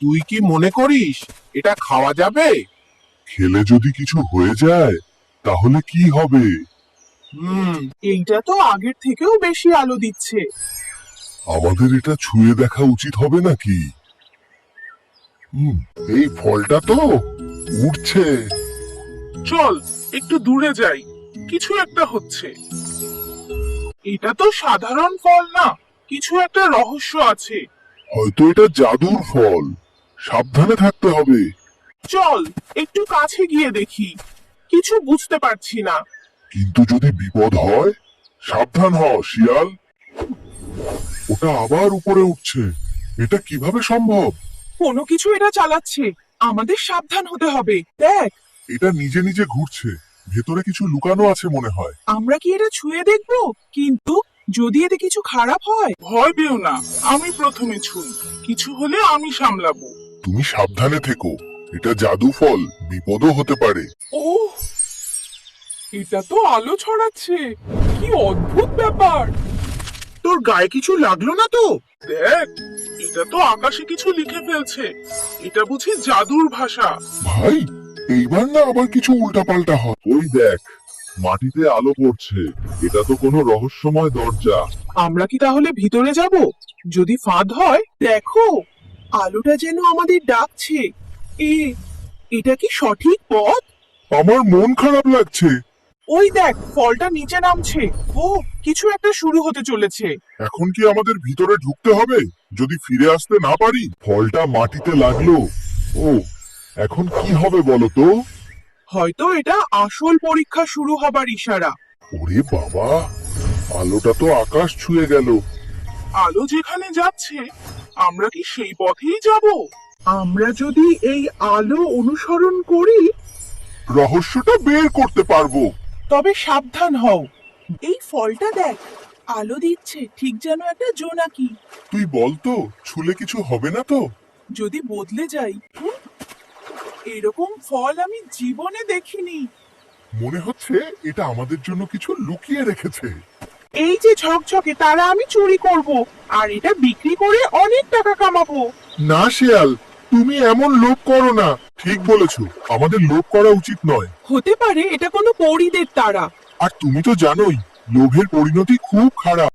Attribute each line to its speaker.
Speaker 1: তুই কি মনে করিস এটা খাওয়া যাবে?
Speaker 2: খেলে যদি কিছু হয়ে যায় তাহলে কি হবে?
Speaker 3: এইটা তো আগের থেকেও বেশি আলো দিচ্ছে।
Speaker 2: আমাদের এটা ছুঁয়ে দেখা উচিত হবে নাকি? এই ফলটা তো উড়ছে।
Speaker 3: চল একটু দূরে যাই, কিছু একটা হচ্ছে। এটা তো সাধারণ ফল না, কিছু একটা রহস্য আছে।
Speaker 2: হয়তো এটা জাদুর ফল, সাবধানে থাকতে হবে।
Speaker 3: চল একটু কাছে গিয়ে দেখি, কিছু বুঝতে পারছি না।
Speaker 2: কিন্তু যদি বিপদ হয়, সাবধান হ শিয়াল। ওটা আবার উপরে উঠছে, এটা কিভাবে সম্ভব?
Speaker 3: কোনো কিছু এটা চালাচ্ছে, আমাদের সাবধান হতে হবে। দেখ,
Speaker 2: এটা নিজে নিজে ঘুরছে, ভেতরে কিছু লুকানো আছে মনে হয়।
Speaker 3: আমরা কি এটা ছুঁয়ে দেখবো? কিন্তু যদি এতে কিছু খারাপ হয়? ভয় পেও না, আমি প্রথমে ছুঁই, কিছু হলে আমি সামলাবো।
Speaker 2: তুমি সাবধানে থেকো, এটা জাদু ফল, বিপদও হতে পারে।
Speaker 3: ও, এটা তো আলো ছড়াচ্ছে, কি অদ্ভুত ব্যাপার।
Speaker 1: তোর গায়ে কিছু লাগলো না তো?
Speaker 3: দেখ, এটা তো আকাশে কিছু লিখে ফেলছে, এটা বুঝি জাদুর ভাষা।
Speaker 2: ভাই, এইবার না আবার কিছু উল্টাপাল্টা হয়। ওই দেখ, মাটিতে আলো পড়ছে, এটা তো কোনো রহস্যময় দরজা।
Speaker 3: আমরা কি তাহলে ভিতরে যাব? যদি ফাঁদ হয়? দেখো, আলোটা যেন আমাদের ডাকছে। এ এটা কি সঠিক পথ?
Speaker 2: আমার মন খারাপ লাগছে।
Speaker 3: ওই দেখ, ফলটা নিচে নামছে। ও, কিছু একটা শুরু হতে চলেছে।
Speaker 2: এখন কি আমাদের ভিতরে ঢুকতে হবে? যদি ফিরে আসতে না পারি? ফলটা মাটিতে লাগলো। ও, এখন কি হবে বলো তো?
Speaker 3: হয়তো এটা আসল পরীক্ষা শুরু হবার ইশারা।
Speaker 2: ওরে বাবা, আলোটা তো আকাশ ছুঁয়ে গেল।
Speaker 3: আলো যেখানে যাচ্ছে, আমরা কি সেই পথেই যাব? আমরা যদি এই আলো অনুসরণ করি,
Speaker 2: রহস্যটা বের করতে পারবো।
Speaker 3: তবে সাবধান হও। এই ফলটা দেখ, আলো দিচ্ছে ঠিক যেন একটা জোনাকি।
Speaker 2: তুই বলতো, ছুলে কিছু হবে না তো?
Speaker 3: যদি বদলে যাই? এরকম ফল আমি জীবনে দেখিনি।
Speaker 2: মনে হচ্ছে এটা আমাদের জন্য কিছু লুকিয়ে রেখেছে।
Speaker 3: এই যে ঝকঝকে তারা আমি চুরি করব, আর এটা বিক্রি করে অনেক টাকা কামাবো।
Speaker 2: না শিয়াল, তুমি এমন লোভ করো না। ঠিক বলেছো, আমাদের লোভ করা উচিত নয়।
Speaker 3: হতে পারে এটা কোনো পরীদের তারা।
Speaker 2: আর তুমি তো জানোই, লোভের পরিণতি খুব খারাপ।